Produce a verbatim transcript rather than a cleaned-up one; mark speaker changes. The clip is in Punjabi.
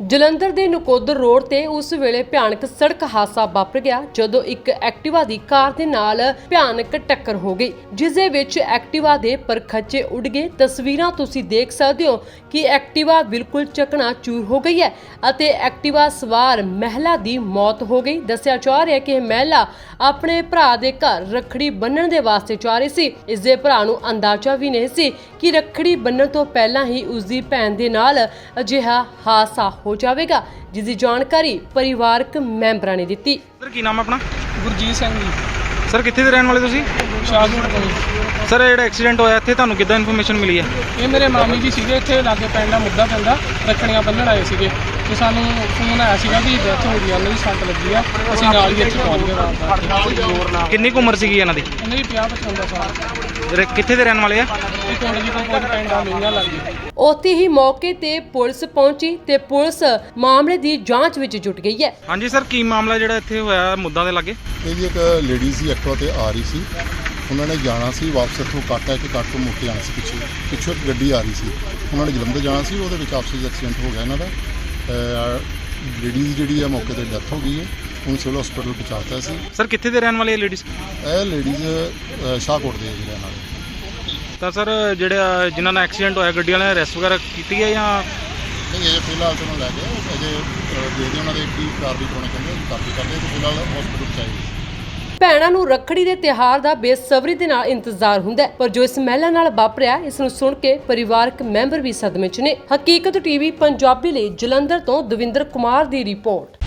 Speaker 1: ਜਲੰਧਰ ਦੇ ਨਕੋਦਰ ਰੋਡ ਤੇ ਉਸ ਵੇਲੇ ਭਿਆਨਕ ਸੜਕ ਹਾਦਸਾ ਵਾਪਰ ਗਿਆ ਜਦੋਂ ਇੱਕ ਐਕਟਿਵਾ ਦੀ ਕਾਰ ਦੇ ਨਾਲ ਭਿਆਨਕ ਟੱਕਰ ਹੋ ਗਈ, ਜਿਸ ਦੇ ਵਿੱਚ ਐਕਟਿਵਾ ਦੇ ਪਰਖੱਚੇ ਉੱਡ ਗਏ। ਤਸਵੀਰਾਂ ਤੁਸੀਂ ਦੇਖ ਸਕਦੇ ਹੋ ਕਿ ਐਕਟਿਵਾ ਬਿਲਕੁਲ ਚਕਨਾਚੂਰ ਹੋ ਗਈ ਹੈ ਅਤੇ ਐਕਟਿਵਾ ਸਵਾਰ ਮਹਿਲਾ ਦੀ ਮੌਤ ਹੋ ਗਈ। ਦੱਸਿਆ ਜਾ ਰਿਹਾ ਹੈ ਕਿ ਇਹ ਮਹਿਲਾ ਆਪਣੇ ਭਰਾ ਦੇ ਘਰ ਰੱਖੜੀ ਬੰਨਣ ਦੇ ਵਾਸਤੇ ਜਾ ਰਹੀ ਸੀ। ਇਸ ਦੇ ਭਰਾ ਨੂੰ ਅੰਦਾਜ਼ਾ ਵੀ ਨਹੀਂ ਸੀ ਕਿ ਰੱਖੜੀ ਬੰਨਣ ਤੋਂ ਪਹਿਲਾਂ ਹੀ ਉਸ ਦੀ ਭੈਣ ਦੇ ਨਾਲ ਅਜਿਹਾ ਹਾਦਸਾ ਹੋ ਜਾਵੇਗਾ, ਜਿਸ ਦੀ ਜਾਣਕਾਰੀ ਪਰਿਵਾਰਕ ਮੈਂਬਰਾਂ ਨੇ ਦਿੱਤੀ।
Speaker 2: ਸਰ ਕੀ ਨਾਮ ਹੈ ਆਪਣਾ?
Speaker 3: ਗੁਰਜੀਤ ਸਿੰਘ ਜੀ।
Speaker 2: ਸਰ ਕਿੱਥੇ ਦੇ ਰਹਿਣ ਵਾਲੇ ਤੁਸੀਂ?
Speaker 3: ਸ਼ਾਹਕੋਟ ਤੋਂ।
Speaker 2: ਸਰ ਇਹ ਜਿਹੜਾ ਐਕਸੀਡੈਂਟ ਹੋਇਆ ਇੱਥੇ ਤੁਹਾਨੂੰ ਕਿੱਦਾਂ ਇਨਫੋਰਮੇਸ਼ਨ ਮਿਲੀ ਹੈ?
Speaker 3: ਇਹ ਮੇਰੇ ਮਾਮੀ ਜੀ ਸੀਗੇ, ਇੱਥੇ ਲਾਗੇ ਪਿੰਡ ਦਾ ਮੁੱਦਾ ਪੈਂਦਾ, ਰੱਖੜੀਆਂ ਬੰਨ੍ਹਣ ਆਏ ਸੀਗੇ ਤੇ ਸਾਨੂੰ ਫੋਨ ਆਇਆ ਸੀਗਾ ਕਿ ਡੈਥ ਹੋ ਗਈ, ਉਹਨਾਂ ਦੀ ਸੱਟ ਲੱਗੀ ਆ। ਅਸੀਂ ਨਾਲ ਹੀ ਇੱਥੇ ਪਹੁੰਚ ਗਏ ਰਾਤ ਦਾ।
Speaker 2: ਕਿੰਨੀ ਕੁ ਉਮਰ ਸੀਗੀ ਇਹਨਾਂ ਦੀ?
Speaker 3: ਇਹਨਾਂ ਦੀ ਪੰਜਾਹ ਪਚਵੰਜਾ ਸਾਲ।
Speaker 2: ਜਿਹੜੇ ਕਿੱਥੇ ਦੇ ਰਹਿਣ ਵਾਲੇ ਆ?
Speaker 3: ਇਹ ਪਿੰਡ ਜੀ ਕੋਲ ਪਿੰਡ ਆ ਮਹੀਨਾ ਲੱਗ ਗਈ।
Speaker 1: ਉੱਥੇ ਹੀ ਮੌਕੇ ਤੇ ਪੁਲਿਸ ਪਹੁੰਚੀ ਤੇ ਪੁਲਿਸ ਮਾਮਲੇ ਦੀ ਜਾਂਚ ਵਿੱਚ ਜੁਟ ਗਈ ਹੈ।
Speaker 2: ਹਾਂਜੀ ਸਰ, ਕੀ ਮਾਮਲਾ ਜਿਹੜਾ ਇੱਥੇ ਹੋਇਆ ਮੁੱਦਾ ਦੇ ਲਾਗੇ?
Speaker 4: ਇਹ ਜੀ ਇੱਕ ਲੇਡੀ ਸੀ ਐਕਟਿਵਾ ਤੇ ਆ ਰਹੀ ਸੀ, ਉਹਨਾਂ ਨੇ ਜਾਣਾ ਸੀ ਵਾਪਸ ਇੱਥੋਂ ਕੱਟ ਹੈ ਕਿ ਕੱਟ ਤੋਂ ਮੁੜ ਕੇ ਆਉਣਾ ਸੀ। ਪਿੱਛੇ ਪਿੱਛੋਂ ਇੱਕ ਗੱਡੀ ਆ ਰਹੀ ਸੀ, ਉਹਨਾਂ ਨੇ ਜਲੰਧਰ ਜਾਣਾ ਸੀ, ਉਹਦੇ ਵਿੱਚ ਆਪਸੀ ਐਕਸੀਡੈਂਟ ਹੋ ਗਿਆ ਇਹਨਾਂ ਦਾ। ਲੇਡੀਜ਼ ਜਿਹੜੀ ਆ ਮੌਕੇ ਤੇ ਡੈਥ ਹੋ ਗਈ ਹੈ, ਉਹਨੂੰ ਸਿਵਲ ਹਸਪੀਟਲ ਪਹੁੰਚਾਤਾ ਸੀ।
Speaker 2: ਸਰ ਕਿੱਥੇ ਦੇ ਰਹਿਣ ਵਾਲੇ ਇਹ ਲੇਡੀਜ਼?
Speaker 4: ਇਹ ਲੇਡੀਜ਼ ਸ਼ਾਹਕੋਟ ਦੇ ਜਿਹੜੇ ਨਾਲ।
Speaker 2: ਤਾਂ ਸਰ ਜਿਹੜਾ ਜਿਨ੍ਹਾਂ ਨਾਲ ਐਕਸੀਡੈਂਟ ਹੋਇਆ ਗੱਡੀ ਵਾਲਿਆਂ ਨੇ ਅਰੈਸਟ ਵਗੈਰਾ ਕੀਤੀ ਹੈ ਜਾਂ
Speaker 4: ਨਹੀਂ? ਅਜੇ ਫਿਲਹਾਲ ਤੋਂ ਲੈ ਕੇ ਅਜੇ ਦੇਖਦੇ ਉਹਨਾਂ ਦੇ ਕੀ ਕਾਰਵਾਈ ਪਾਉਣੀ ਕਹਿੰਦੇ ਕਾਰਵਾਈ ਕਰਦੇ ਤੇ ਫਿਲਹਾਲ ਹਸਪੀਟਲ ਪਹੁੰਚਾਏ।
Speaker 1: ਭੈਣਾਂ ਨੂੰ ਰੱਖੜੀ ਦੇ ਤਿਉਹਾਰ ਦਾ ਬੇਸਬਰੀ ਦੇ ਨਾਲ ਇੰਤਜ਼ਾਰ ਹੁੰਦਾ ਹੈ, ਪਰ ਜੋ ਇਸ ਮਹਿਲਾ ਨਾਲ ਵਾਪਰਿਆ ਇਸ ਨੂੰ ਸੁਣ ਕੇ ਪਰਿਵਾਰਕ ਮੈਂਬਰ ਵੀ ਸਦਮੇ 'ਚ ਨੇ। ਹਕੀਕਤ ਟੀਵੀ ਪੰਜਾਬੀ ਲਈ ਜਲੰਧਰ ਤੋਂ ਦਵਿੰਦਰ ਕੁਮਾਰ ਦੀ ਰਿਪੋਰਟ।